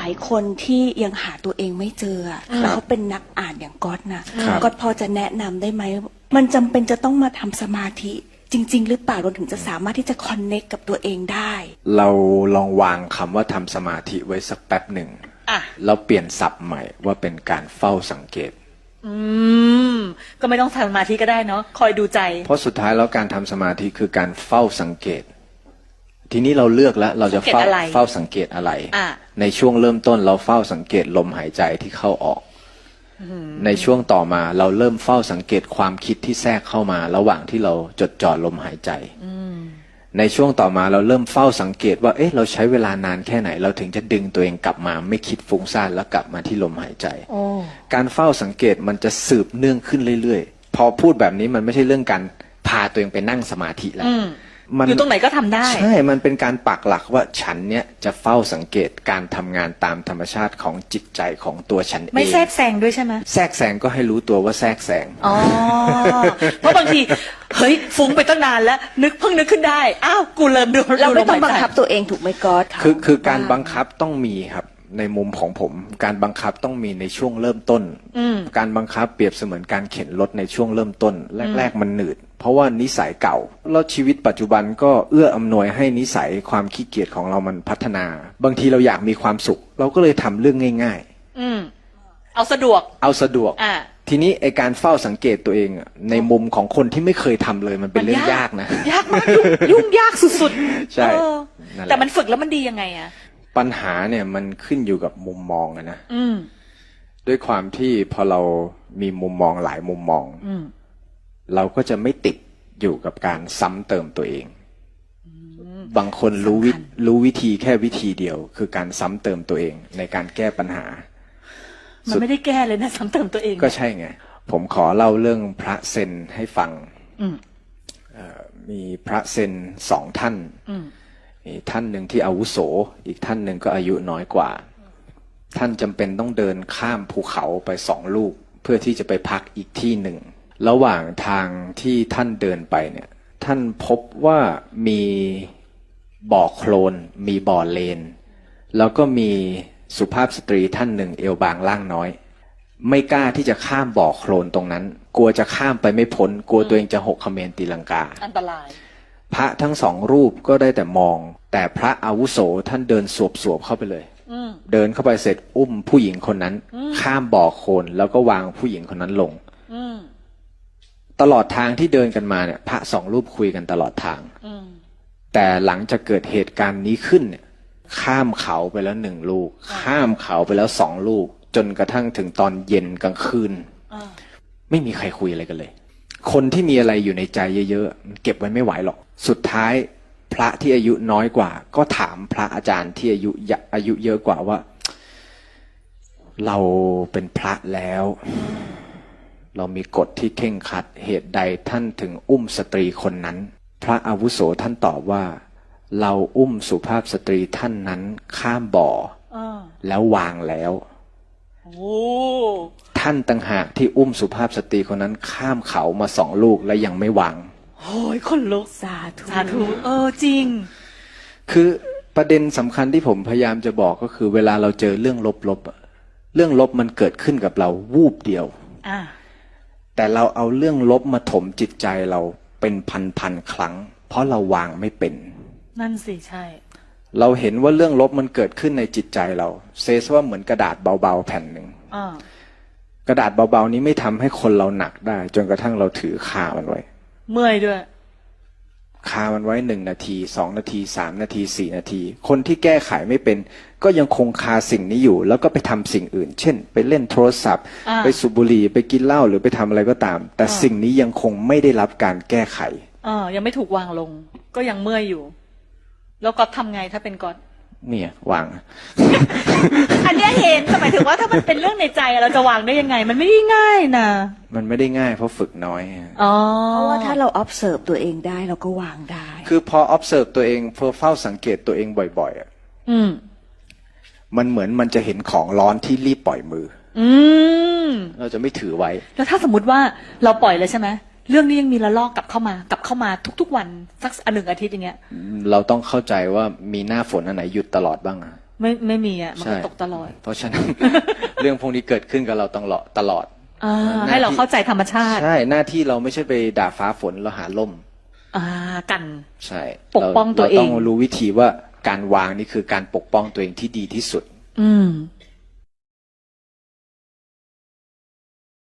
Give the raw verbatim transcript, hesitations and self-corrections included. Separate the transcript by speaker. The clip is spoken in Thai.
Speaker 1: ายคนที่ยังหาตัวเองไม่เจอแล้วเขาเป็นนักอ่านอย่างก๊อตนะก๊อตพอจะแนะนำได้ไหมมันจำเป็นจะต้องมาทำสมาธิจริงๆหรือเปล่าเราถึงจะสามารถที่จะคอนเนคกับตัวเองได้
Speaker 2: เราลองวางคำว่าทำสมาธิไว้สักแป๊บหนึ่งแล้วเปลี่ยนศัพท์ใหม่ว่าเป็นการเฝ้าสังเกต
Speaker 3: อืมก็ไม่ต้องทำสมาธิก็ได้เนาะคอยดูใจ
Speaker 2: เพราะสุดท้ายแล้วการทำสมาธิคือการเฝ้าสังเกตทีนี้เราเลือกแล้วเราจะเฝ้าเฝ้าสังเกตอะไรในช่วงเริ่มต้นเราเฝ้าสังเกตลมหายใจที่เข้าออกในช่วงต่อมาเราเริ่มเฝ้าสังเกตความคิดที่แทรกเข้ามาระหว่างที่เราจดจ่อลมหายใจในช่วงต่อมาเราเริ่มเฝ้าสังเกตว่าเอ๊ะเราใช้เวลานานแค่ไหนเราถึงจะดึงตัวเองกลับมาไม่คิดฟุ้งซ่านแล้วกลับมาที่ลมหายใจการเฝ้าสังเกตมันจะสืบเนื่องขึ้นเรื่อยๆพอพูดแบบนี้มันไม่ใช่เรื่องการพาตัวเองไปนั่งสมาธิแล้ว
Speaker 3: อยู่ตรงไหนก็ทำได้
Speaker 2: ใช่มันเป็นการปักหลักว่าฉันเนี้ยจะเฝ้าสังเกตการทำงานตามธรรมชาติของจิตใจของตัวฉันเอง
Speaker 3: ไม่แทรกแซงด้วยใช่ไหม
Speaker 2: แทรกแซงก็ให้รู้ตัวว่าแทรกแซง
Speaker 3: อ๋อเพราะบางทีเฮ้ยฟุ้งไปตั้งนานแล้วนึกเพิ่งนึกขึ้นได้อ้าวกูเริ่มดู
Speaker 1: เราไม่ต้องบังคับตัวเองถูกไหมก๊อต
Speaker 2: คือคือการบังคับต้องมีครับในมุมของผมการบังคับต้องมีในช่วงเริ่มต้นการบังคับเปรียบเสมือนการเข็นรถในช่วงเริ่มต้นแรกๆมันหนืดเพราะว่านิสัยเก่าแล้วชีวิตปัจจุบันก็เอื้ออำนวยให้นิสัยความขี้เกียจของเรามันพัฒนาบางทีเราอยากมีความสุขเราก็เลยทำเรื่องง่าย
Speaker 3: ๆอืมเอาสะดวก
Speaker 2: เอาสะดวกอ่าทีนี้ไอการเฝ้าสังเกตตัวเองในมุมของคนที่ไม่เคยทำเลยมันเป็นเรื่องยากนะ
Speaker 3: ยากมากยุ่งยากสุด
Speaker 2: ๆใช่
Speaker 3: แต่มันฝึกแล้วมันดียังไงอะ
Speaker 2: ปัญหาเนี่ยมันขึ้นอยู่กับมุมมองนะด้วยความที่พอเรามีมุมมองหลายมุมมองเราก็จะไม่ติดอยู่กับการซ้ำเติมตัวเองบางคนรู้วิรู้วิธีแค่วิธีเดียวคือการซ้ำเติมตัวเองในการแก้ปัญหา
Speaker 3: มันไม่ได้แก้เลยนะซ้ำเติมตัวเอง
Speaker 2: ก็ใช่ไงผมขอเล่าเรื่องพระเซนให้ฟังมีพระเซนสองท่านมีท่านหนึ่งที่อาวุโสอีกท่านหนึ่งก็อายุน้อยกว่าท่านจำเป็นต้องเดินข้ามภูเขาไปสองลูกเพื่อที่จะไปพักอีกที่หนึ่งระหว่างทางที่ท่านเดินไปเนี่ยท่านพบว่ามีบ่อโคลนมีบ่อเลนแล้วก็มีสุภาพสตรีท่านหนึ่งเอวบางล่างน้อยไม่กล้าที่จะข้ามบ่อโคลนตรงนั้นกลัวจะข้ามไปไม่พ้นกลัวตัวเองจะหกเขมรตีลังกา
Speaker 3: อันตราย
Speaker 2: พระทั้งสองรูปก็ได้แต่มองแต่พระอาวุโสท่านเดินสวบๆเข้าไปเลยเดินเข้าไปเสร็จอุ้มผู้หญิงคนนั้นข้ามบ่อโคลนแล้วก็วางผู้หญิงคนนั้นลงตลอดทางที่เดินกันมาเนี่ยพระสองรูปคุยกันตลอดทางแต่หลังจากเกิดเหตุการณ์นี้ขึ้นเนี่ยข้ามเขาไปแล้วหนึ่งลูกข้ามเขาไปแล้วสองลูกจนกระทั่งถึงตอนเย็นกลางคืนไม่มีใครคุยอะไรกันเลยคนที่มีอะไรอยู่ในใจเยอะๆเก็บไว้ไม่ไหวหรอกสุดท้ายพระที่อายุน้อยกว่าก็ถามพระอาจารย์ที่อายุอายุเยอะกว่าว่าเราเป็นพระแล้วเรามีกฎที่เคร่งครัดเหตุใดท่านถึงอุ้มสตรีคนนั้นพระอาวุโสท่านตอบว่าเราอุ้มสุภาพสตรีท่านนั้นข้ามบ่อแล้ววางแล้วท่านต่างหากที่อุ้มสุภาพสตรีคนนั้นข้ามเขามาสองลูกและยังไม่วาง
Speaker 3: โอ้ยคนลุก
Speaker 1: สาธุ
Speaker 3: สาธุเออจริง
Speaker 2: คือประเด็นสำคัญที่ผมพยายามจะบอกก็คือเวลาเราเจอเรื่องลบๆเรื่องลบมันเกิดขึ้นกับเราวูบเดียวแต่เราเอาเรื่องลบมาถมจิตใจเราเป็นพันๆครั้งเพราะเราวางไม่เป็น
Speaker 3: นั่นสิใช่
Speaker 2: เราเห็นว่าเรื่องลบมันเกิดขึ้นในจิตใจเราเซซว่าเหมือนกระดาษเบาๆแผ่นหนึ่งกระดาษเบาๆนี้ไม่ทำให้คนเราหนักได้จนกระทั่งเราถือคามันไว้
Speaker 3: เมื่อยด้วย
Speaker 2: คามันไว้หนึ่งนาทีสองนาทีสามนาทีสี่นาทีคนที่แก้ไขไม่เป็นก็ยังคงคาสิ่งนี้อยู่แล้วก็ไปทำสิ่งอื่นเช่นไปเล่นโทรศัพท์ไปสูบบุหรี่ไปกินเหล้าหรือไปทำอะไรก็ตามแต่สิ่งนี้ยังคงไม่ได้รับการแก้ไข
Speaker 3: อ่ายังไม่ถูกวางลงก็ยังเมื่อยอยู่แล้วก็ทำไงถ้าเป็นก๊อต
Speaker 2: เนี่ยวาง
Speaker 3: อันนี้เห็นหมายถึงว่าถ้ามันเป็นเรื่องในใจเราจะวางได้ยังไงมันไม่ได้ง่ายนะ
Speaker 2: มันไม่ได้ง่ายเพราะฝึกน้อย
Speaker 1: อ๋อเพราะว่าถ้าเรา observe ตัวเองได้เราก็วางได้
Speaker 2: คือพอ observe ตัวเองพอเฝ้าสังเกตตัวเองบ่อยๆอ่ะอืมมันเหมือนมันจะเห็นของร้อนที่รีบปล่อยมืออืมเราจะไม่ถือไว้
Speaker 3: แล้วถ้าสมมติว่าเราปล่อยเลยใช่ไหมเรื่องนี้ยังมีระลอกกลับเข้ามากลับเข้ามาทุกๆวันสักอันหนึ่งอาทิตย์อย่างเงี้ย
Speaker 2: เราต้องเข้าใจว่ามีหน้าฝนอันไหนหยุดตลอดบ้างอ่ะ
Speaker 3: ไม่ไม่มีอ่ะมันก็
Speaker 2: ใช่
Speaker 3: ตกตลอด
Speaker 2: เพราะฉะนั้น เรื่องพวกนี้เกิดขึ้นกับเราตลอดตลอด
Speaker 3: อ่า
Speaker 2: หน้าที่
Speaker 3: ให้เราเข้าใจธรรมชาติ
Speaker 2: ใช่หน้าที่เราไม่ใช่ไปด่าฟ้าฝนเราหาล่ม
Speaker 3: อ่ากัน
Speaker 2: ใช่
Speaker 3: ปกป้องตัวเอง
Speaker 2: ราต้องรู้วิธีว่าการวางนี่คือการปกป้องตัวเองที่ดีที่สุด
Speaker 3: อืม